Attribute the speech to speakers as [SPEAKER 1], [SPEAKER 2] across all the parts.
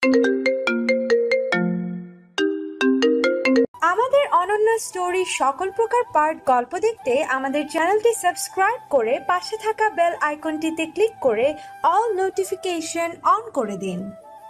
[SPEAKER 1] আমাদের অনন্য স্টোরি সকল প্রকার পার্ট গল্প দেখতে আমাদের চ্যানেলটি সাবস্ক্রাইব করে পাশে থাকা বেল আইকনটিতে ক্লিক করে অল নোটিফিকেশন অন করে দিন।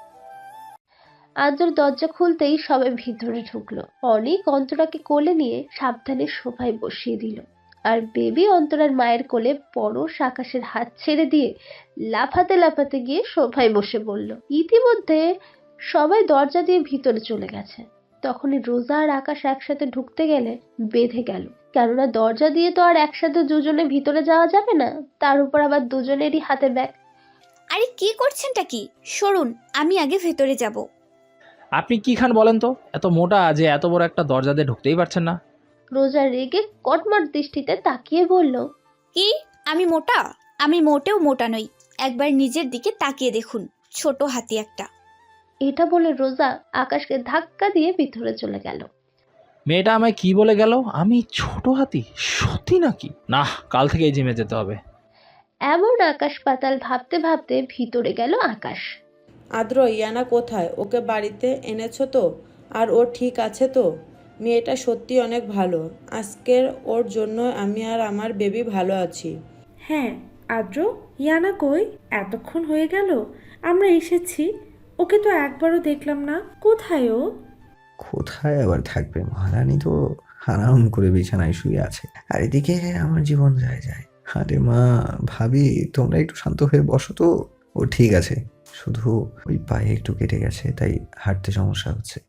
[SPEAKER 2] আদ্র দরজা খুলতেই সবাই ভিতরে ঢুকলো। অনেক অন্তরাকে কোলে নিয়ে সাবধানে সোফায় বসিয়ে দিল, আর বেবি অন্তরার মায়ের কোলে পরশ আকাশের হাত ছেড়ে দিয়ে লাফাতে লাফাতে গিয়ে সোফায় বসে পড়ল। ইতিমধ্যে সবাই দরজা দিয়ে ভিতরে চলে গেছে। তখনই রোজা আর আকাশ একসাথে ঢুকতে গেলে বেঁধে গেল, কেননা দরজা দিয়ে তো আর একসাথে দুজনে ভিতরে যাওয়া যাবে না, তার উপর আবার দুজনেরই হাতে ব্যাগ।
[SPEAKER 3] আরে কি করছেনটা কি? সরুন, আমি আগে ভেতরে যাব।
[SPEAKER 4] আপনি কি খান বলেন তো? এত মোটা যে এত বড় একটা দরজা দিয়ে ঢুকতেই পারছেন না।
[SPEAKER 2] রোজা রেগে কটমট দৃষ্টিতে তাকিয়ে বলল,
[SPEAKER 3] কি? আমি মোটা? আমি মোটেও মোটা নই। একবার নিজের দিকে তাকিয়ে দেখুন, ছোট হাতি একটা।
[SPEAKER 2] এটা বলে রোজা আকাশকে ধাক্কা দিয়ে ভিতরে চলে গেল।
[SPEAKER 4] মেয়েটা আমায় কি বলে গেল? আমি ছোট হাতি? সত্যি নাকি? না, কাল থেকে এই জিমে যেতে হবে।
[SPEAKER 2] এমন আকাশ পাতাল ভাবতে ভাবতে ভিতরে গেল আকাশ।
[SPEAKER 5] আদ্র, ইয়ানা কোথায়? ওকে বাড়িতে এনেছো তো? আর ও ঠিক আছে তো? মেয়েটা সত্যি অনেক ভালো। আজকের ওর জন্য আমি আর আমার বেবি ভালো আছি।
[SPEAKER 6] হ্যাঁ আদ্র, ইয়ানা কই? এতক্ষণ হয়ে গেল আমরা এসেছি, ওকে তো একবারও দেখলাম না। কোথায় ও?
[SPEAKER 7] কোথায় আবার থাকবে, মহারানী তো আরাম করে বিছানায় শুয়ে আছে, আর এদিকে আমার জীবন যায় যায়। আরে মা, ভাবি, তোমরা একটু শান্ত হয়ে বসো তো। ও ঠিক আছে, শুধু ওই পায়ে একটু কেটে গেছে, তাই হাঁটতে সমস্যা হচ্ছে।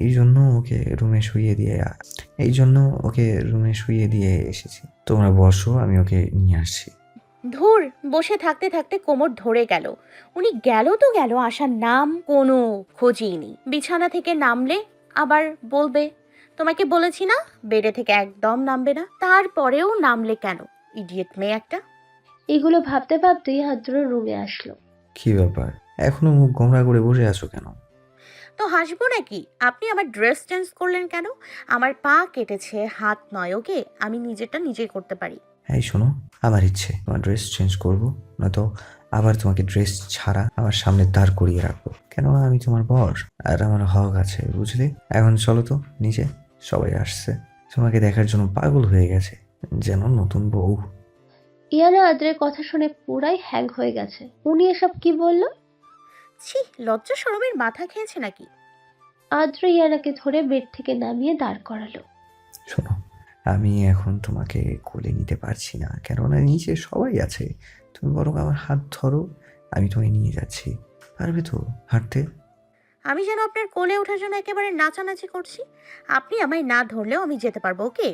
[SPEAKER 7] এই জন্য ওকে রুমে শুইয়ে দিয়ে এসেছি। তোমরা বসো, আমি ওকে নিয়ে আসছি।
[SPEAKER 8] ধুর, বসে থাকতে থাকতে কোমর ধরে গেল। উনি গেল তো গেল, আসার নাম কোনো খোঁজই নেই। বিছানা থেকে নামলে আবার বলবে তোমাকে বলেছি না বেডে থেকে একদম নামবে না, তারপরেও নামলে কেন? ইডিয়েট মেয়ে একটা।
[SPEAKER 2] এগুলো ভাবতে ভাবতেই আদ্র রুমে আসলো।
[SPEAKER 7] কি ব্যাপার, এখনো মুখ গোমড়া করে বসে আছো কেন?
[SPEAKER 8] তো হাসবো নাকি? আপনি আমার ড্রেস চেঞ্জ করলেন কেন? আমার পা কেটেছে, হাত নয়। ওকে, আমি নিজেরটা নিজেই করতে পারি।
[SPEAKER 7] এই শোনো, আমার ইচ্ছে তোমার ড্রেস চেঞ্জ করবো, নয়তো আবার তোমাকে ড্রেস ছাড়া আমার সামনে দাঁড় করিয়ে রাখবো। কেন, আমি তোমার বর আর আমার হক আছে, বুঝলে? এখন চলো তো নিচে, সবাই আসছে, তোমাকে দেখার জন্য পাগল হয়ে গেছে, যেন নতুন বউ।
[SPEAKER 2] ইয়ানা আদ্রের কথা শুনে পুরাই হ্যাং হয়ে গেছে। উনি এসব কি বলল?
[SPEAKER 8] ছি, লজ্জা শরমের মাথা খেয়েছে নাকি?
[SPEAKER 2] আদ্র ইয়ানাকে ধরে বেড থেকে নামিয়ে দাঁড় করালো।
[SPEAKER 7] শোনো, আমি এখন তোমাকে কোলে নিতে পারছি না, কেননা নিচে সবাই আছে। তুমি বরং আমার হাত ধরো, আমি তোমায় নিয়ে যাচ্ছি। পারবে তো হাঁটতে?
[SPEAKER 8] আমি যেন আপনার কোলে ওঠার জন্য একেবারে নাচানাচি করছি। আপনি আমায় না ধরলেও আমি যেতে পারবো। ওকে?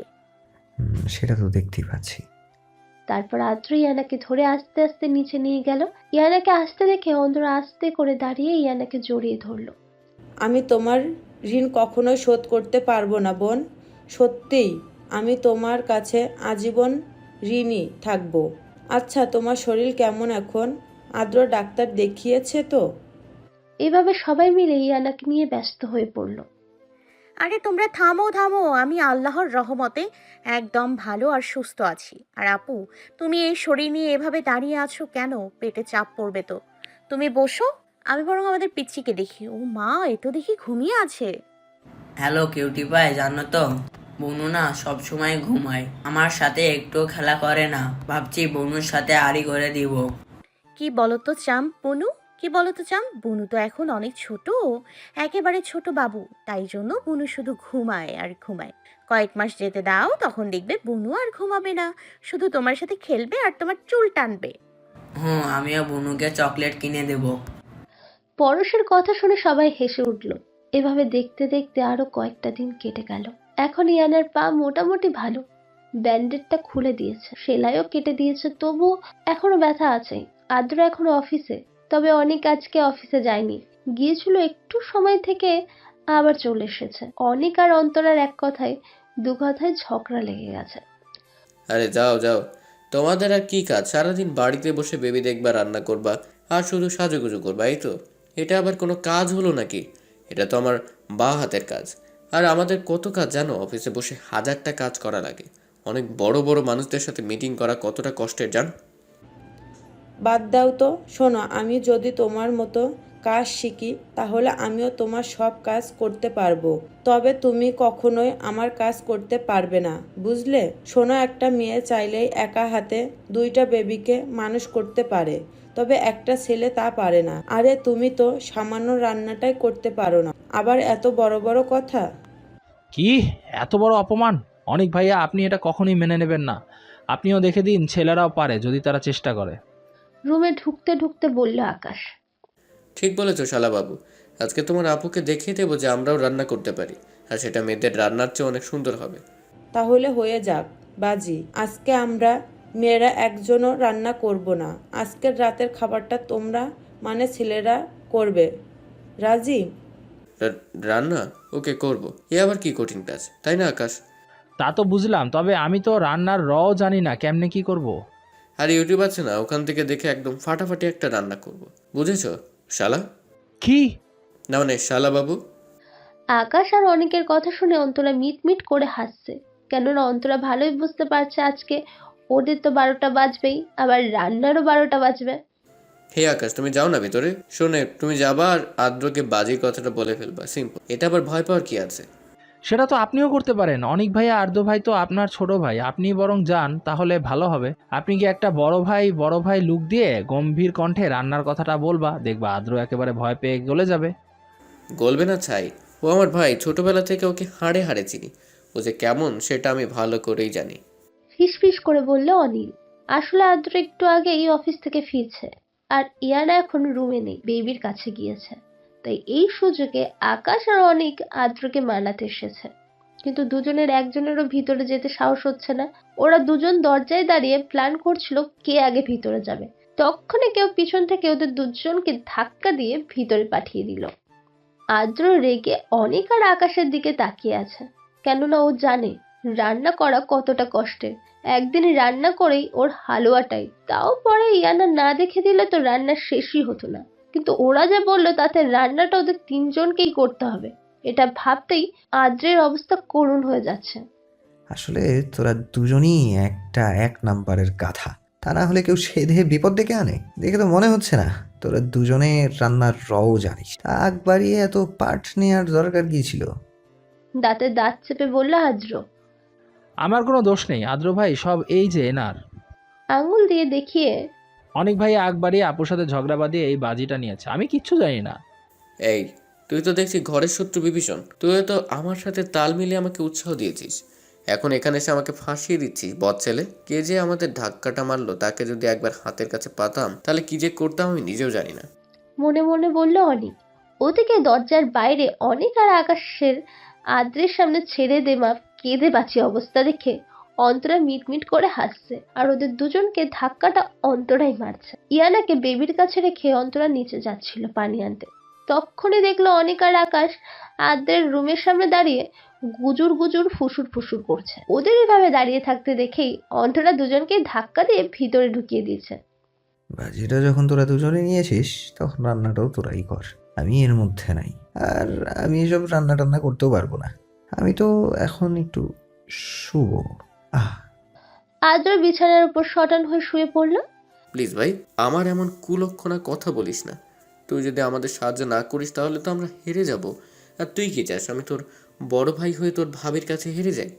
[SPEAKER 7] সেটা তো দেখতেই পাচ্ছি।
[SPEAKER 2] তারপর আদ্র ইয়ানাকে ধরে আস্তে আস্তে নিচে নিয়ে গেল। ইয়ানাকে আসতে দেখে অন্তরা আস্তে করে দাঁড়িয়ে ইয়ানাকে জড়িয়ে ধরলো।
[SPEAKER 5] আমি তোমার ঋণ কখনোই শোধ করতে পারবো না বোন, সত্যিই। আমি তোমার কাছে আজীবন ঋণী থাকবো। আচ্ছা, তোমার শরীর কেমন এখন? আদ্র ডাক্তার দেখিয়েছে তো?
[SPEAKER 2] এভাবে সবাই মিলে ইয়ানাকে নিয়ে ব্যস্ত হয়ে পড়ল।
[SPEAKER 8] আরে তোমরা থামো থামো, আমি আল্লাহর রহমতে একদম ভালো আর সুস্থ আছি। আর আপু, তুমি এই শরীর নিয়ে এভাবে দাঁড়িয়ে আছো কেন? পেটে চাপ পড়বে তো। তুমি বসো, আমি বরং আমাদের পিচ্চিকে দেখি। ও মা, এ তো দেখি ঘুমিয়ে আছে।
[SPEAKER 9] হ্যালো কিউটি পাই, জানো তো বনু না সব সময় ঘুমায়, আমার সাথে একটু খেলা করে না। ভাবছি বনুর সাথে আড়ি করে দিব।
[SPEAKER 8] কি বলতো চাম বনু, কি বলতো চাম? বুনু তো এখন অনেক ছোট, একেবারে ছোট বাবু, তাই জন্য বুনু শুধু ঘুমায় আর ঘুমায়। কয়েক মাস যেতে দাও, তখন দেখবে বুনু আর ঘুমাবে না, শুধু তোমার সাথে খেলবে আর তোমার চুল টানবে।
[SPEAKER 9] হুম, আমিও বনুকে চকলেট কিনে দেব।
[SPEAKER 2] পরশের কথা শুনে সবাই হেসে উঠল। এভাবে দেখতে দেখতে আরো কয়েকটা দিন কেটে গেল। এখন ইয়ানার পা মোটামুটি ভালো। ব্যান্ডেডটা খুলে দিয়েছে, সেলাইও কেটে দিয়েছে, তবু এখনো ব্যথা আছে। আদ্র এখনো অফিসে, তবে অনেক আজকে অফিসে যায়নি, গিয়েছিল একটু সময় থেকে আবার চলে এসেছে। অনেক আর অন্তরার এক কথায় দু কথায় ঝগড়া লেগে গেছে।
[SPEAKER 10] আরে যাও যাও, তোমাদের আর কি কাজ? সারাদিন বাড়িতে বসে বেবি দেখবা, রান্না করবা আর শুধু সাজুগুজু করবা, এই তো? এটা আবার কোনো কাজ হলো নাকি? এটা তো আমার বা হাতের কাজ। আর আমাদের কত কাজ জানো? অফিসে বসে হাজারটা কাজ করা লাগে। অনেক বড় বড় মানুষদের সাথে মিটিং করা কতটা কষ্টের জানো?
[SPEAKER 5] বাদ দাও তো। শোনো, আমি যদি তোমার মতো কাজ শিখি তাহলে আমিও তোমার সব কাজ করতে পারবো। তবে তুমি কখনোই আমার কাজ করতে পারবে না, বুঝলে? শোনো, একটা মেয়ে চাইলেই একা হাতে 2টা বেবিকে মানুষ করতে পারে, তবে একটা ছেলে তা পারে না। আরে তুমি তো সামান্য রান্নাটাই করতে পারো না, আবার এত বড় বড় কথা।
[SPEAKER 4] কি এত বড় অপমান! অনেক ভাইয়া, আপনি এটা কখনোই মেনে নেবেন না। আপনিও দেখে দিন, ছেলেরাও পারে যদি তারা চেষ্টা করে।
[SPEAKER 2] রুমে ঢুকতে ঢুকতে বলল আকাশ।
[SPEAKER 10] ঠিক বলেছো শালাবাবু, আজকে তোমার আপুকে দেখিয়ে দেবো যে আমরাও রান্না করতে পারি, আর সেটা মেয়েদের রান্নার চেয়ে অনেক সুন্দর হবে।
[SPEAKER 5] তাহলে হয়ে যাক বাজি, আজকে আমরা মেয়েরা একজনও রান্না করব না। আজকের রাতের খাবারটা তোমরা মানে ছেলেরা করবে, রাজি?
[SPEAKER 10] রান্না ওকে করব, এ আবার কি কঠিন কাজ, তাই না আকাশ?
[SPEAKER 4] তা তো বুঝলাম, তবে আমি তো রান্নার রও জানি না, কেমনে কি করব।
[SPEAKER 10] আর ইউটিউব আছে না, ওখান থেকে দেখে একদম ফাটাফাটি একটা রান্না করব, বুঝেছো শালা?
[SPEAKER 4] কি?
[SPEAKER 10] না মানে শালাবাবু।
[SPEAKER 2] আকাশ আর অনেকের কথা শুনে অন্তরা মিট করে হাসছে, কেননা অন্তরা ভালোই বুঝতে পারছে আজকে ওদের তো 12টা বাজবেই, আবার রান্নারও 12টা বাজবে।
[SPEAKER 10] হে আকাশ, তুমি যাও না ভিতরে। শোনে, তুমি যাবা আর আদ্রকে বাজির কথাটা বলে ফেলবা, সিম্পল। এটা আবার ভয় পাওয়ার কি আছে?
[SPEAKER 4] সেটা তো আপনিও করতে পারেন। অনেক ভাইয়া, আর্দ্র ভাই তো আপনার ছোট ভাই, আপনি বরং যান, তাহলে ভালো হবে। আপনি কি একটা বড় ভাই লুক দিয়ে গম্ভীর কণ্ঠে রান্নার কথাটা বলবা, দেখবা আর্দ্র একেবারে ভয় পেয়ে গলে যাবে।
[SPEAKER 10] গলবে না ছাই, ও আমার ভাই, ছোটবেলা থেকে ওকে হাড়ে হাড়ে চিনি। ও যে কেমন সেটা আমি ভালো করেই জানি।
[SPEAKER 2] ফিসফিস করে বলল অনিল। আসলে আদ্র একটু আগেই অফিস থেকে ফিরছে, আর ইয়ানা এখন রুমে নেই, বেবির কাছে গিয়েছে। তাই এই সুযোগে আকাশ আর অনিক আদ্রকে মানাতে এসেছে, কিন্তু দুজনের একজনেরও ভিতরে যেতে সাহস হচ্ছে না। ওরা দুজন দরজায় দাঁড়িয়ে প্ল্যান করছিল কে আগে ভিতরে যাবে। তখনই কেউ পিছন থেকে ওদের দুজনকে ধাক্কা দিয়ে ভিতরে পাঠিয়ে দিল। আদ্র রেগে অনিক আর আকাশের দিকে তাকিয়ে আছে, কেননা ও জানে রান্না করা কতটা কষ্টের। একদিন রান্না করেই ওর হালুয়াটাই, তাও পরে ইয়ানা না দেখে দিলে তো রান্না শেষই হতো না। কিন্তু ওরা যা বললো তাতে রান্নাটা ওদের 3জনকেই করতে হবে, এটা ভাবতেই আদ্রের অবস্থা করুণ হয়ে যাচ্ছে।
[SPEAKER 7] আসলে তোরা দুজনই এক নাম্বারের গাধা। তা না হলে কেউ সেধে বিপদ ডেকে আনে? দেখে তো মনে হচ্ছে না তোরা দুজনে রান্নার রও জানিস। আগ বাড়িয়ে এত পাঠ নেওয়ার দরকার কি ছিল?
[SPEAKER 2] দাঁতে দাঁত চেপে বলল আদ্র।
[SPEAKER 4] আমার কোনো দোষ নেই আদ্র ভাই, সব এই যে এনার।
[SPEAKER 2] আঙুল দিয়ে দেখিয়ে
[SPEAKER 4] অনেক ভাই আগ বাড়িয়ে আপুর সাথে ঝগড়া বাঁধিয়ে এই বাজিটা নিয়েছে, আমি কিচ্ছু জানি না।
[SPEAKER 10] এই, তুই তো দেখছি ঘরের শত্রু বিভীষণ। তুই তো আমার সাথে তাল মিলিয়ে আমাকে উৎসাহ দিয়েছিস, এখন এখানে এসে আমাকে ফাঁসিয়ে দিচ্ছিস বদ ছেলে। কে যে আমাদের ধাক্কাটা মারলো, তাকে যদি একবার হাতের কাছে পাতাম তাহলে কি যে করতাম আমি নিজেও জানি না।
[SPEAKER 2] মনে মনে বলল অনিক। ওদিকে দরজার বাইরে অনিক আর আকাশের আদ্রের সামনে ছেড়ে দে মা কেঁদে বাঁচি অবস্থা দেখে অন্তরা মিটমিট করে হাসছে, আর ওদের দুজনকে ধাক্কাটা অন্তরাই মারছে। ইয়ানাকে বেবির কাছে রেখে অন্তরা নিচে যাচ্ছিল পানি আনতে, তখনই দেখলো অনিক আর আকাশ আদ্রের রুমের সামনে দাঁড়িয়ে গুজুর গুজুর ফুসুর করছে। ওদের এভাবে দাঁড়িয়ে থাকতে দেখেই অন্তরা দুজনকে ধাক্কা দিয়ে ভিতরে ঢুকিয়ে দিয়েছে।
[SPEAKER 7] বাজিটা যখন তোরা দুজনে নিয়েছিস তখন রান্নাটাও তোরাই কর, আমি এর মধ্যে নাই। আর আমি এসব রান্না টান্না করতেও পারবো না, আমি তো এখন একটু শুভ।
[SPEAKER 2] আদ্র বিছানার উপর শটান হয়ে শুয়ে পড়লো।
[SPEAKER 10] প্লিজ ভাই, আমার এমন কুলক্ষণা কথা বলিস না। তুই যদি আমাদের সাহায্য না করিস তাহলে তো আমরা হেরে যাব। আর তুই কি চাস আমি তোর বড় ভাই হয়ে তোর ভাবির কাছে হেরে যাই?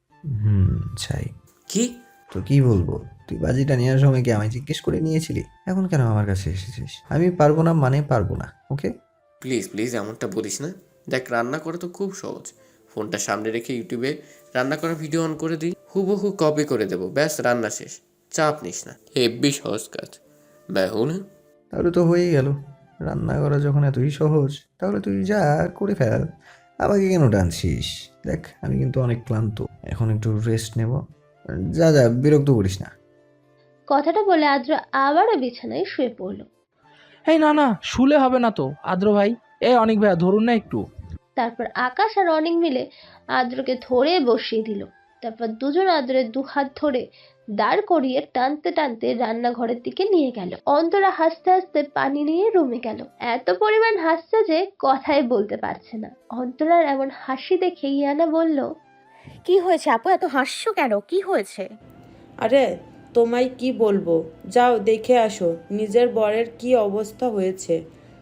[SPEAKER 7] চাই।
[SPEAKER 10] কি?
[SPEAKER 7] তো কি বলবো? তুই বাজিটা নেওয়ার সময় কি আমায় জিজ্ঞেস করে নিয়েছিলি? এখন কেন আমার কাছে এসেছিস? আমি পারবো না মানে পারবো না, ওকে?
[SPEAKER 10] প্লিজ প্লিজ এমনটা বলিস না। দেখ, রান্না করা তো খুব সহজ। ফোনটা সামনে রেখে ইউটিউবে রান্না করা ভিডিও অন করে দিই, হুবহু কপি করে দেবো, ব্যাস রান্না শেষ। চাপ নিস না, হেব্বি সহজ কাজ। ব্যাহু না?
[SPEAKER 7] তাহলে তো হয়েই গেল। রান্না করা যখন এতই সহজ, তাহলে তুই যা করে ফেল, আমাকে কেন টানছিস? দেখ আমি কিন্তু অনেক ক্লান্ত, এখন একটু রেস্ট নেব। যা যা, বিরক্ত করিস না।
[SPEAKER 2] কথাটা বলে আদ্র আবারও বিছানায় শুয়ে পড়লো।
[SPEAKER 4] এই না, শুলে হবে না তো আদ্র ভাই। অনেক ভাইয়া ধরুন না একটু।
[SPEAKER 2] তারপর আকাশ আর অনেক মিলে আদ্রকে ধরে বসিয়ে দিল। তারপর দুজন আদ্রের 2 হাত ধরে দাঁড় করিয়ে টানতে টানতে রান্নাঘরের দিকে নিয়ে গেল। অন্তরা হাসতে হাসতে পানি নিয়ে রুমে গেল। এত পরিমাণ হাসছে যে কথাই বলতে পারছে না। অন্তরার এমন হাসি দেখে ইয়ানা বলল,
[SPEAKER 8] কি হয়েছে আপু, এত হাসছো কেন? কি হয়েছে?
[SPEAKER 5] আরে তোমায় কি বলবো, যাও দেখে আসো নিজের বরের কি অবস্থা হয়েছে।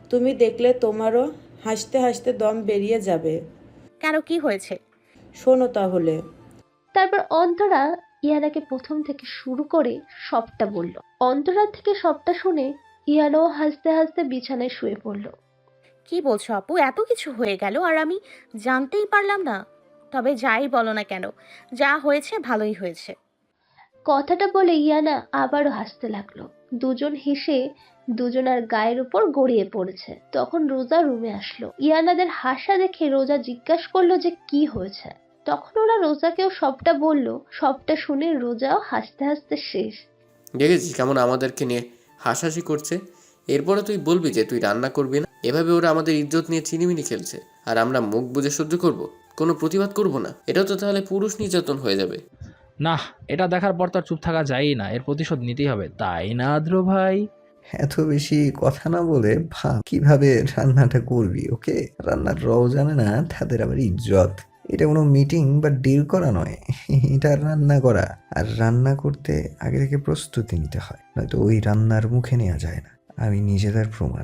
[SPEAKER 5] তুমি দেখলে তোমারও হাসতে হাসতে দম বেরিয়ে যাবে।
[SPEAKER 8] কেন, কি হয়েছে?
[SPEAKER 5] শোনো তাহলে।
[SPEAKER 2] তারপর অন্তরা ইয়ানাকে প্রথম থেকে শুরু করে সবটা বলল। অন্তরার থেকে সবটা শুনে ইয়ানাও হাসতে হাসতে বিছানায় শুয়ে পড়ল।
[SPEAKER 8] কি বলছো আপু, এত কিছু হয়ে গেল আর আমি জানতেই পারলাম না? তবে যাই বলো না কেন, যা হয়েছে ভালোই হয়েছে।
[SPEAKER 2] কথাটা বলে ইয়ানা আবারও হাসতে লাগলো। দুজন হেসে দুজনার গায়ের উপর গড়িয়ে পড়েছে। তখন রোজা রুমে আসলো। ইয়ানাদের হাসা দেখে রোজা জিজ্ঞাসা করলো যে কি হয়েছে। তখন ওরা রোজাকেও সবটা বলল। সবটা শুনে রোজাও হাসতে হাসতে শেষ।
[SPEAKER 10] দেখেছিস কেমন আমাদেরকে নিয়ে হাসাহাসি করছে? এরপরে তুই বলবি যে তুই রান্না করবি না? এভাবে ওরা আমাদের ইজ্জত নিয়ে চিনিমিনি খেলছে, আর আমরা মুখ বুজে সহ্য করব, কোনো প্রতিবাদ করব না? এটা তো তাহলে পুরুষ নির্যাতন হয়ে যাবে।
[SPEAKER 4] না, এটা দেখার পর তো আর চুপ থাকা যায়ই না, এর প্রতিশোধ নিতেই হবে, তাই না আদ্র ভাই?
[SPEAKER 7] এত বেশি কথা না বলে ভাব কিভাবে রান্নাটা করবি। ওকে, রান্নার রও জানে না, তাদের আবার ইজ্জত। এটা কোনো মিটিং বা ডিল করা নয়, এটা রান্না করা। আর রান্না করতে আগে থেকে প্রস্তুতি নিতে হয়, নয়তো ওই রান্নার মুখে নেওয়া যায় না। আমি নিজেদের প্রমাণ।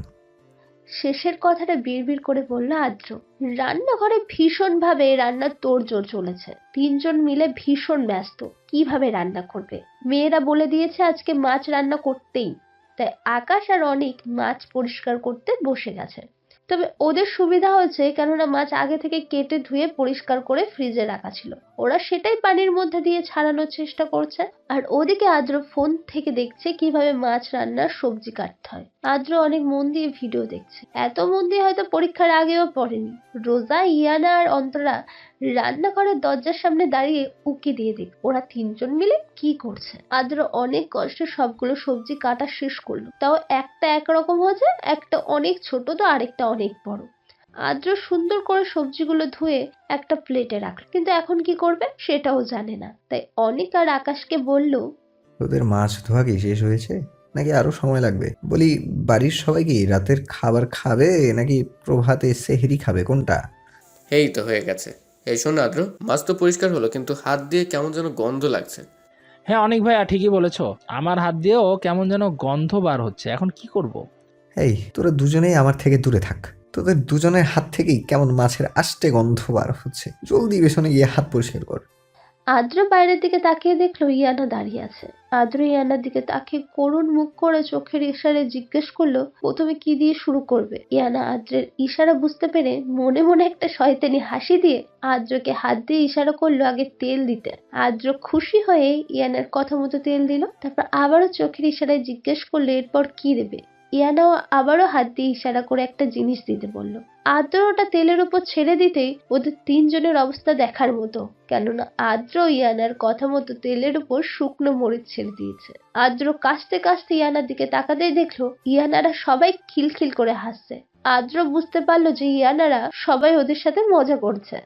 [SPEAKER 2] শেষের কথাটা বিড়বিড় করে বলল আদ্র। রান্নাঘরে ভীষণ ভাবে রান্নার তোড়জোড় চলেছে। তিনজন মিলে ভীষণ ব্যস্ত কিভাবে রান্না করবে। মেয়েরা বলে দিয়েছে আজকে মাছ রান্না করতেই, তাই আকাশ আর অনিক মাছ পরিষ্কার করতে বসে গেছে। তবে ওদের সুবিধা হয়েছে, কেননা মাছ আগে থেকে কেটে ধুয়ে পরিষ্কার করে ফ্রিজে রাখা ছিল। ওরা সেটাই পানির মধ্যে দিয়ে ছাড়ানোর চেষ্টা করছে। আর ওদিকে আদ্র ফোন থেকে দেখছে কিভাবে মাছ রান্নার সবজি কাটতে হয়। আদ্র অনেক মন দিয়ে ভিডিও দেখছে, এত মন দিয়ে হয়তো পরীক্ষার আগেও পড়েনি। রোজা, ইয়ানা আর অন্তরা রান্নাঘরের দরজার সামনে দাঁড়িয়ে উকি দিয়ে দেখ ওরা তিনজন মিলে কি করছে। আদ্র অনেক কষ্টে সবগুলো সবজি কাটা শেষ করলো, তাও একটা একরকম হয়েছে, একটা অনেক ছোট তো আরেকটা অনেক বড়। আদ্র সুন্দর করে সবজিগুলো ধুয়ে একটা প্লেটে রাখলো, কিন্তু এখন কি করবে সেটাও জানে না। তাই অনিক আর আকাশকে বলল,
[SPEAKER 7] ওদের মাছ ধোয়া কি শেষ হয়েছে নাকি আরো সময় লাগবে? বলি, বাড়ির সবাই কি রাতের খাবার খাবে নাকি প্রভাতে সেহরি খাবে, কোনটা?
[SPEAKER 10] এই তো হয়ে গেছে। এই শোন আদ্র, মাছ তো পরিষ্কার হলো, কিন্তু হাত দিয়ে কেমন যেন গন্ধ লাগছে।
[SPEAKER 4] হ্যাঁ অনেক ভাইয়া, ঠিকই বলেছো, আমার হাত দিয়েও কেমন যেন গন্ধ বার হচ্ছে, এখন কি করব?
[SPEAKER 7] এই, তোরা দুজনেই আমার থেকে দূরে থাক। তোদের দুজনের হাত থেকেই কেমন মাছের আষ্টে গন্ধ বার হচ্ছে। জলদি পেছনে গিয়ে হাত পরিষ্কার কর।
[SPEAKER 2] আদ্র বাইরের দিকে তাকিয়ে দেখলো ইয়ানা দাঁড়িয়ে আছে। আদ্র ইয়ানার দিকে তাকিয়ে করুণ মুখ করে চোখের ইশারে জিজ্ঞেস করলো প্রথমে কি দিয়ে শুরু করবে। ইয়ানা আদ্রের ইশারা বুঝতে পেরে মনে মনে একটা শয়তানি হাসি দিয়ে আদ্রকে হাত দিয়ে ইশারা করলো আগে তেল দিতে। আদ্র খুশি হয়ে ইয়ানার কথা মতো তেল দিল। তারপর আবারও চোখের ইশারায় জিজ্ঞেস করলো এরপর কি দেবে। ইয়ানাও আবারও হাত দিয়ে ইশারা করে একটা জিনিস দিতে বলল। আদ্র ওটা তেলের উপর ছেড়ে দিতেই ওদের তিনজনের অবস্থা দেখার মতো, কেননা আদ্র ইয়ানার কথা মতো তেলের উপর শুকনো মরিচ ছেড়ে দিয়েছে। আদ্র কাশতে কাশতে ইয়ানার দিকে তাকাতেই দেখলো ইয়ানারা সবাই খিলখিল করে হাসছে। আদ্র বুঝতে পারলো যে ইয়ানারা সবাই ওদের সাথে মজা করছে।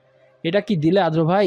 [SPEAKER 4] এটা কি দিলে আদ্র ভাই?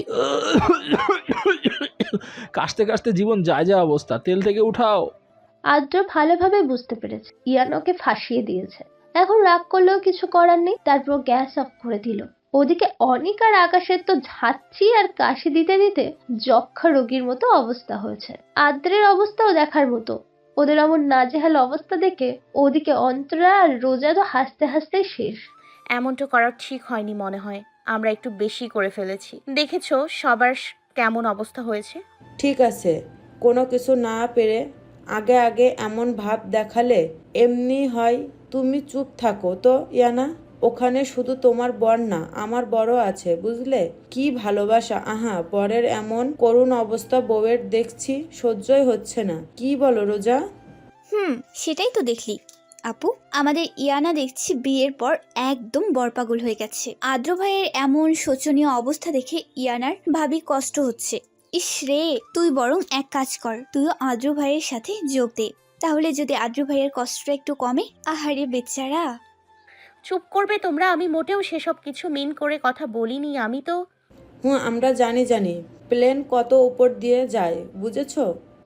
[SPEAKER 4] কাশতে কাশতে জীবন যায় যা অবস্থা, তেল থেকে উঠাও।
[SPEAKER 2] আদ্র ভালোভাবে বুঝতে পেরেছে ইয়ানাকে ফাঁসিয়ে দিয়েছে, এখন রাগ করলেও কিছু করার নেই। তারপর গ্যাস অফ করে দিল। ওদিকে অনিক আর আকাশের তো ঝাঁচি আর কাশি দিতে দিতে যক্ষা রোগীর মতো অবস্থা হয়েছে। আদ্রের অবস্থাও দেখার মতো। ওদের এমন নাজেহাল অবস্থা দেখে ওদিকে অন্তরা আর রোজা তো হাসতে হাসতে শেষ।
[SPEAKER 8] এমনটা করা ঠিক হয়নি মনে হয়, আমরা একটু বেশি করে ফেলেছি। দেখেছো সবার কেমন অবস্থা হয়েছে।
[SPEAKER 5] ঠিক আছে, কোনো কিছু না পেরে আগে আগে এমন ভাব দেখালে এমনি হয়। তুমি চুপ থাকো তো ইয়ানা। ওখানে শুধু তোমার বর না, আমার বড় আছে, বুঝলে? কি ভালোবাসা। আহা, বরের এমন করুণ অবস্থা বউয়ের দেখছি, সহ্যই হচ্ছে না। কি বলো রোজা?
[SPEAKER 3] সেটাই তো দেখলি আপু, আমাদের ইয়ানা দেখছি বিয়ের পর একদম বরপাগল হয়ে গেছে। আদ্র ভাইয়ের এমন শোচনীয় অবস্থা দেখে ইয়ানার ভাবি কষ্ট হচ্ছে। ইস রে, তুই বরং এক কাজ কর, তুইও আদ্র ভাইয়ের সাথে যোগ দে, তাহলে যদি আদ্র ভাইয়ের কষ্টটা একটু কমে। আহারে বেচারা।
[SPEAKER 8] চুপ করবে তোমরা, আমি মোটেও সেসব কিছু মিন করে কথা বলিনি। আমি তো
[SPEAKER 5] আমরা জানি, প্লেন কত উপর দিয়ে যায়, বুঝেছো?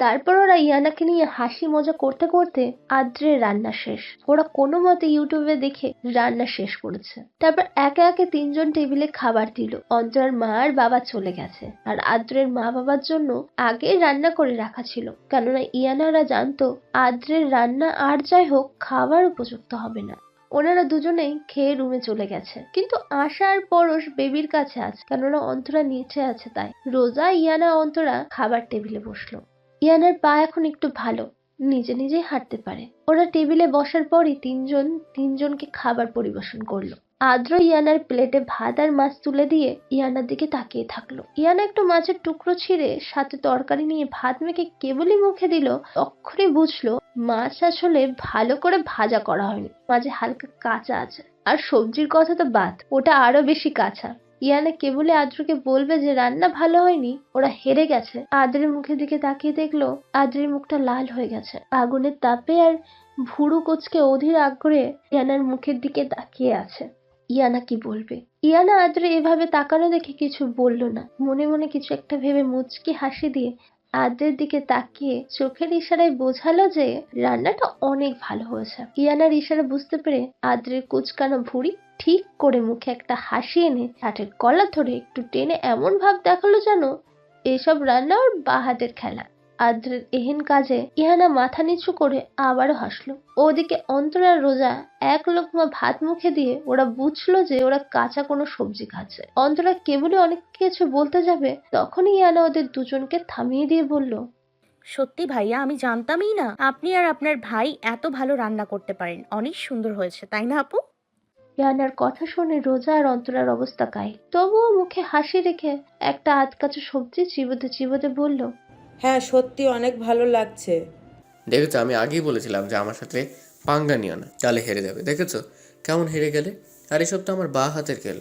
[SPEAKER 2] তারপর ওরা ইয়ানাকে নিয়ে হাসি মজা করতে করতে আদ্রের রান্না শেষ। ওরা কোনো মতে ইউটিউবে দেখে রান্না শেষ করেছে। তারপর একে একে তিনজন টেবিলে খাবার দিল। অন্তরার মা আর বাবা চলে গেছে, আর আদ্রের মা বাবার জন্য আগে রান্না করে রাখা ছিল, কেননা ইয়ানারা জানতো আদ্রের রান্না আর যাই হোক খাবার উপযুক্ত হবে না। ওনারা দুজনেই খেয়ে রুমে চলে গেছে, কিন্তু আশা আর পরশ বেবির কাছে আছে, কেননা অন্তরা নিচে আছে। তাই রোজা, ইয়ানা, অন্তরা খাবার টেবিলে বসলো। ইয়ানার পা এখন একটু ভালো, নিজে নিজেই হাঁটতে পারে। ওরা টেবিলে বসার পরই তিনজনকে খাবার পরিবেশন করলো। আদ্র ইয়ানার প্লেটে ভাত আর মাছ তুলে দিয়ে ইয়ানার দিকে তাকিয়ে থাকলো। ইয়ানা একটু মাছের টুকরো ছিঁড়ে সাথে তরকারি নিয়ে ভাত মেখে কেবলই মুখে দিল, তখনই বুঝলো মাছ আসলে ভালো করে ভাজা করা হয়নি, মাঝে হালকা কাঁচা আছে। আর সবজির কথা তো বাদ, ওটা আরো বেশি কাঁচা। ইয়ানা কেবলই আদ্রকে বলবে যে রান্না ভালো হয়নি, ওরা হেরে গেছে। আদ্রের মুখের দিকে তাকিয়ে দেখলো আদ্রের মুখটা লাল হয়ে গেছে আগুনের তাপে, আর ভুরু কোচকে অধীর আগ্রহে ইয়ানার মুখের দিকে তাকিয়ে আছে। ইয়ানা কি বলবে? ইয়ানা আদ্রে এভাবে তাকানো দেখে কিছু বলল না, মনে মনে কিছু একটা ভেবে মুচকি হাসি দিয়ে আদ্রের দিকে তাকিয়ে চোখের ইশারায় বোঝালো যে রান্নাটা অনেক ভালো হয়েছে। ইয়ানার ইশারা বুঝতে পেরে আদ্রের কুচকানো ভুঁড়ি ঠিক করে মুখে একটা হাসি এনে শার্টের কলার ধরে একটু টেনে এমন ভাব দেখালো যেন এসব রান্না ওর বা হাতের খেলা। আদ্রের এহেন কাজে ইহানা মাথা নিচু করে আবারও হাসলো। ওদিকে অন্তরা রোজা এক লোকমা ভাত মুখে দিয়ে ওরা বুঝলো যে ওরা কাঁচা কোনো সবজি খাচ্ছে। অন্তরা কেবলই অনেক কিছু বলতে যাবে, তখনই ইয়ানা ওদের দুজনকে থামিয়ে দিয়ে বলল,
[SPEAKER 8] সত্যি ভাইয়া, আমি জানতামই না আপনি আর আপনার ভাই এত ভালো রান্না করতে পারেন। অনেক সুন্দর হয়েছে, তাই না আপু?
[SPEAKER 2] ইয়ানার কথা শুনে রোজা আর অন্তরার অবস্থা কাহিল, তবুও মুখে হাসি রেখে একটা আধকাচা সবজি চিবোতে চিবোতে বলল,
[SPEAKER 5] হ্যাঁ সত্যি অনেক ভালো লাগছে।
[SPEAKER 10] দেখেছো, আমি আগেই বলেছিলাম যে আমার সাথে পাঙ্গা নিও না, তাহলে হেরে যাবে। দেখেছো কেমন হেরে গেলে? আর এসব তো আমার বা হাতের খেল।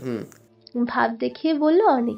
[SPEAKER 2] ভাব দেখিয়ে বলল অনেক।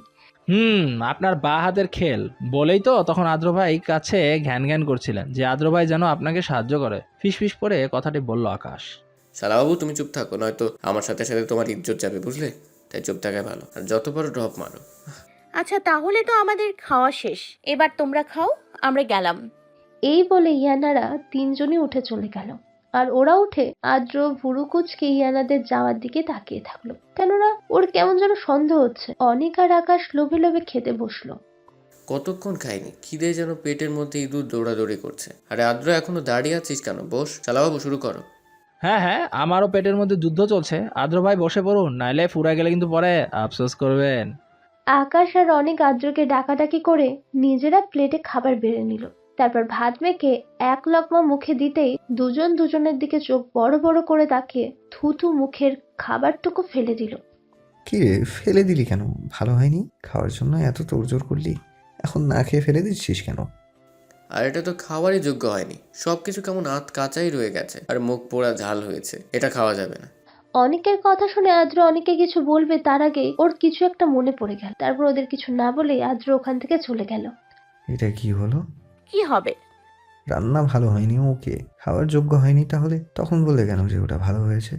[SPEAKER 4] আপনার বা হাতের খেল বলেই তো তখন আদ্র ভাই কাছে ঘ্যান ঘ্যান করছিলেন যে আদ্র ভাই যেন আপনাকে সাহায্য করে। ফিস ফিস করে কথাটি বলল আকাশ।
[SPEAKER 10] শালাবাবু তুমি চুপ থাকো, নয়তো আমার সাথে সাথে তোমার ইজ্জত যাবে, বুঝলে? তাই চুপ থাকাই ভালো, আর যত পারো ড্রপ মারো।
[SPEAKER 8] আচ্ছা তাহলে তো আমাদের খাওয়া শেষ, এবার তোমরা খাও, আমরা গেলাম।
[SPEAKER 2] এই বলে ইয়ানারা তিনজনই উঠে চলে গেল। আর ওরা উঠে আদ্র ভুরু কুচকে ইয়ানাদের যাওয়ার দিকে তাকিয়ে থাকলো, কেননা ওর কেমন যেন সন্দেহ হচ্ছে। অনেক আর আকাশ লোভে লোভে খেতে বসলো।
[SPEAKER 10] কতক্ষণ খাইনি, খিদে যেন পেটের মধ্যে ইঁদুর দৌড়াদৌড়ি করছে। আরে আদ্র, এখনো দাঁড়িয়ে আছিস কেন? বস, শালাবাবু শুরু করো।
[SPEAKER 4] হ্যাঁ, আমারও পেটের মধ্যে যুদ্ধ চলছে। আদ্র ভাই বসে পড়ুন, নাইলে ফুরা গেলে কিন্তু পরে আফসোস করবেন।
[SPEAKER 2] আকাশ আর অনেক আদ্রকে ডাকাডাকি করে নিজেরা প্লেটে খাবার বেড়ে নিল। তারপর ভাত মেখে এক লকমা মুখে দিতেই দুজন দুজনের দিকে চোখ বড় বড় করে তাকিয়ে থুথু মুখের খাবারটুকু ফেলে দিল।
[SPEAKER 7] কি রে, ফেলে দিলি কেন? ভালো হয়নি? খাওয়ার জন্য এত তোড়জোড় করলি, এখন না খেয়ে ফেলে দিচ্ছিস কেন?
[SPEAKER 10] আর এটা তো খাওয়ারই যোগ্য হয়নি, সবকিছু কেমন আধ কাঁচাই রয়ে গেছে, আর মুখ পোড়া ঝাল হয়েছে, এটা খাওয়া যাবে না।
[SPEAKER 2] অনেকের কথা শুনে আদ্র অনেকে কিছু বলবে তার আগে ওর কিছু একটা মনে পড়ে গেল। তারপর ওদের কিছু না বলে আদ্র ওখান থেকে চলে গেল।
[SPEAKER 7] এটা কি হলো?
[SPEAKER 8] কি হবে?
[SPEAKER 7] রান্না ভালো হয়নি, ওকে, খাওয়ার যোগ্য হয়নি, তাহলে তখন বললে কেন যে ওটা ভালো হয়েছে?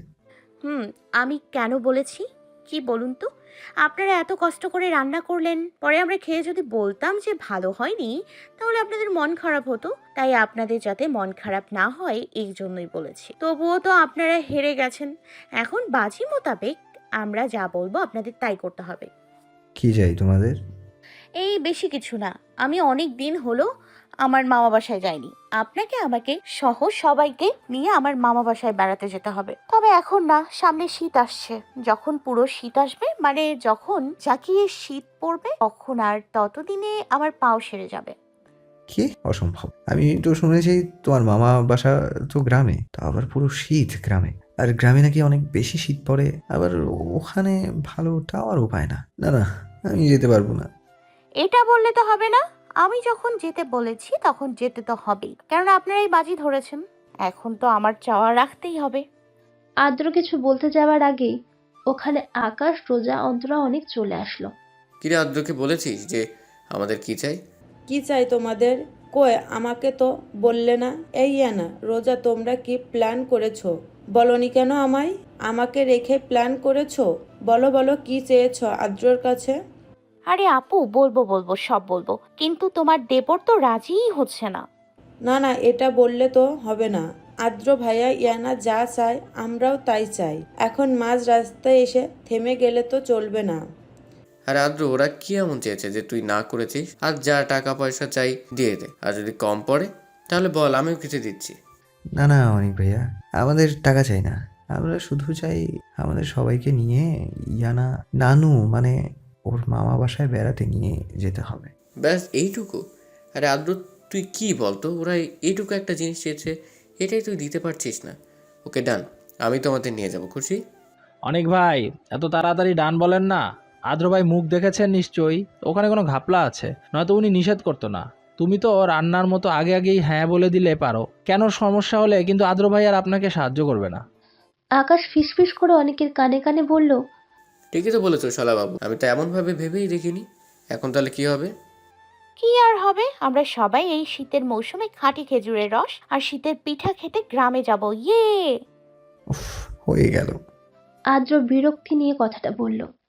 [SPEAKER 8] আমি কেন বলেছি কি বলুন তো? আপনারা এত কষ্ট করে রান্না করলেন, পরে আমরা খেয়ে যদি বলতাম যে ভালো হয়নি, তাহলে আপনাদের মন খারাপ হতো। তাই আপনাদের যাতে মন খারাপ না হয় এই জন্যই বলেছি। তবুও তো আপনারা হেরে গেছেন, এখন বাজি মোতাবেক আমরা যা বলবো আপনাদের তাই করতে হবে।
[SPEAKER 7] কি চাই তোমাদের?
[SPEAKER 8] এই বেশি কিছু না, আমি অনেক দিন হলো আমার মামা বাসায় যাইনি। আপনাকে আমাকে সহ সবাইকে নিয়ে আমার মামা বাসায় বেড়াতে যেতে হবে। তবে এখন না, সামনে শীত আসছে। যখন পুরো শীত আসবে, মানে যখন জাকিয়ে শীত পড়বে, তখন আর ততদিনে আমার পাও সেরে যাবে।
[SPEAKER 7] কি অসম্ভব! আমি তো শুনেছি তোমার মামা বাসা তো গ্রামে, তা আবার পুরো শীত গ্রামে, আর গ্রামে নাকি অনেক বেশি শীত পড়ে, আবার ওখানে ভালো টাওয়ার উপায় না। না না, আমি যেতে পারবো না।
[SPEAKER 8] এটা বললে তো হবে না, আমি যখন যেতে বলেছি তখন যেতে তো হবেই, কারণ আপনারাই বাজি ধরেছেন। এখন তো আমার চাওয়া রাখতেই হবে।
[SPEAKER 2] আদ্র কিছু বলতে যাওয়ার আগেই ওখানে আকাশ, রোজা, অন্তরা অনেক চলে আসলো।
[SPEAKER 10] কিরে আদ্রকে বলেছিস যে আমাদের কি চাই?
[SPEAKER 5] কি চাই তোমাদের? কই, আমাকে তো বললে না। এই ইয়ানা, রোজা, তোমরা কি প্ল্যান করেছো? বলনি কেন আমায়? আমাকে রেখে প্ল্যান করেছো? বলো বলো, কি চেয়েছো আদ্রর কাছে?
[SPEAKER 8] আরে আপু, বলবো সব বলবো, কিন্তু তোমার দেবর তো রাজিই হচ্ছে না।
[SPEAKER 5] না না, এটা বললে তো হবে না। আদ্র ভাইয়া ইয়ানা যা চায় আমরাও তাই চাই। এখন মাঝ রাস্তায় এসে থেমে গেলে তো চলবে না।
[SPEAKER 10] আর আদ্র, ওরা কি এমন চেয়েছে যে তুই না করেছিস? আর যা টাকা পয়সা চাই দিয়ে দে, আর যদি কম পড়ে তাহলে বল, আমিও কিছু দিচ্ছি।
[SPEAKER 7] না না অনিক ভাইয়া, আমাদের টাকা চাই না। আমরা শুধু চাই আমাদের সবাইকে নিয়ে ইয়ানা নানু মানে ওর মামা বাসায় বেড়াতে নিয়ে যেতে হবে।
[SPEAKER 10] ব্যাস এইটুকু? আরে আদ্র, তুই কি বলতো, ওরা এইটুকু একটা জিনিস চেয়েছে, এটাই তুই দিতে পারছিস না। ওকে ডান, আমি তোমাদের নিয়ে যাব, খুশি?
[SPEAKER 4] অনেক ভাই, এত তাড়াতাড়ি ডান বলেন না। আদ্র ভাই মুখ দেখেছেন নিশ্চয়ই, ওখানে কোনো ঘাপলা আছে, নয়তো উনি নিষেধ করতো না। তুমি তো রান্নার মতো আগে আগেই হ্যাঁ বলে দিলে পারো। কেন সমস্যা হলে কিন্তু আদ্র ভাই আর আপনাকে সাহায্য করবে না।
[SPEAKER 2] আকাশ ফিসফিস করে অনেকের কানে কানে বলল,
[SPEAKER 10] ঠিকই তো বলেছো শালাবাবু, আমি তো এমনভাবে ভেবেই দেখিনি। এখন তাহলে কি হবে?
[SPEAKER 8] কি আর হবে, আমরা সবাই এই শীতের মৌসুমে খাঁটি খেজুরের রস আর শীতের পিঠা খেতে গ্রামে যাব। ইয়ে!
[SPEAKER 7] উফ, হয়ে গেল।
[SPEAKER 2] আদ্র বিরক্তি নিয়ে কথাটা বলল।